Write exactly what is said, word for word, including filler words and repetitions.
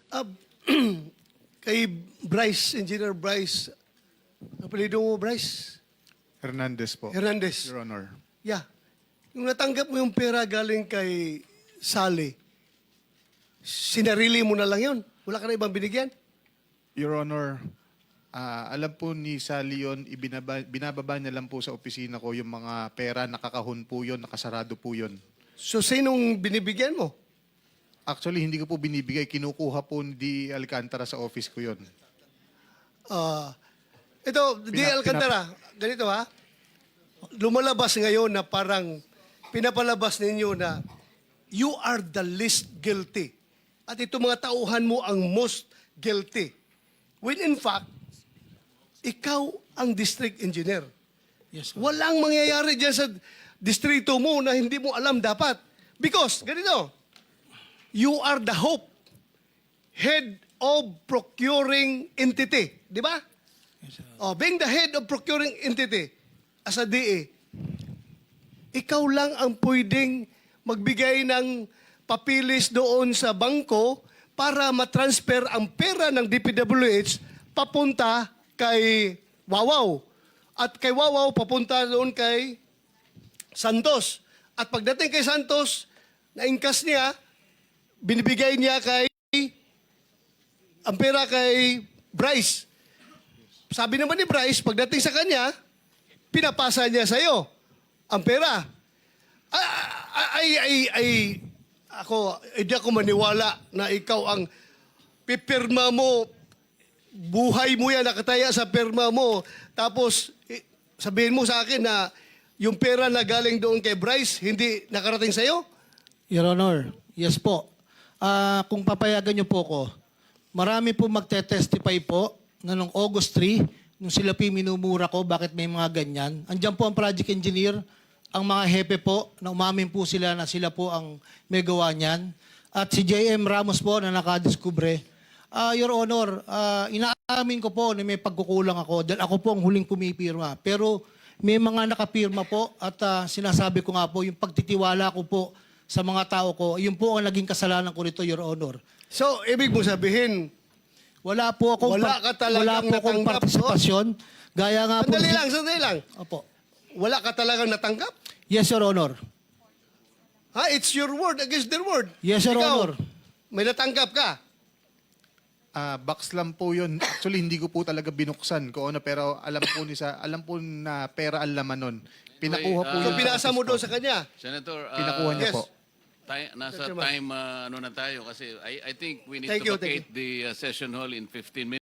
Ah, kay Bryce, Engineer Bryce, apelido mo Bryce? Hernandez po. Hernandez. Your Honor. Yeah. Yung natanggap mo yung pera galing kay Sally, sinarili mo na lang yun? Wala ka na ibang binigyan? Your Honor, ah, alam po ni Sally yun, ibinaba, binababa niya lang po sa opisina ko yung mga pera, nakakahon po yun, nakasarado po yun. So, sinong binibigyan mo? Actually, hindi ko po binibigay. Kinukuha po ni D. Alcantara sa office ko yun. Ah, ito, Di Pina- Alcantara, ganito ha. Lumalabas ngayon na parang pinapalabas ninyo na you are the least guilty. At ito mga tauhan mo ang most guilty. When in fact, ikaw ang district engineer. Yes, sir. Walang mangyayari dyan sa distrito mo na hindi mo alam dapat. Because, ganito, you are the hope, head of procuring entity. Di ba? Yes, sir. Oh, being the head of procuring entity as a D A, ikaw lang ang pwedeng magbigay ng papilis doon sa bangko para matransfer ang pera ng D P W H papunta kay Wawaw. At kay Wawaw papunta doon kay Santos. At pagdating kay Santos, na-ingkas niya, binibigay niya kay ang pera kay Bryce. Sabi naman ni Bryce, pagdating sa kanya, pinapasa niya sa'yo ang pera. Ay, ay, ay, ay, ako, hindi ako maniwala na ikaw ang pipirma mo, buhay mo yan, nakataya sa pirma mo, tapos eh, sabihin mo sa akin na yung pera na galing doon kay Bryce, hindi nakarating sa'yo? Your Honor, yes po. Ah, kung papayagan niyo po ko, marami po magte-testify po na noong August third, nung sila po yung minumura ko, bakit may mga ganyan. Andiyan po ang project engineer, ang mga hepe po, na umamin po sila na sila po ang may gawa niyan. At si J M Ramos po na nakadiskubre. Ah, Your Honor, ah, inaamin ko po na may pagkukulang ako dahil ako po ang huling pumipirma. Pero may mga nakapirma po at ah, sinasabi ko nga po, yung pagtitiwala ko po sa mga tao ko, yun po ang naging kasalanan ko rito, Your Honor. So, ibig mo sabihin, Wala po akong, Wala ka talagang wala po akong natanggap, partisipasyon. Gaya nga po... sandali lang, sandali lang. Opo. Wala ka talagang natanggap? Yes, Your Honor. Ha? It's your word against their word. Yes, Your Ikaw, Honor. may natanggap ka? Ah, box lang po yun. Actually, hindi ko po talaga binuksan ko ano, pero alam po ni sa alam po na pera ang laman nun. Pinakuha po Wait, So, yun. ah, pinasa mo doon sa kanya? Senator, uh, Pinakuha niya yes. po. Tay- nasa Mister Chairman. time uh, ano na tayo kasi I, I think we need Thank to you, thank vacate the uh, session hall in fifteen minutes.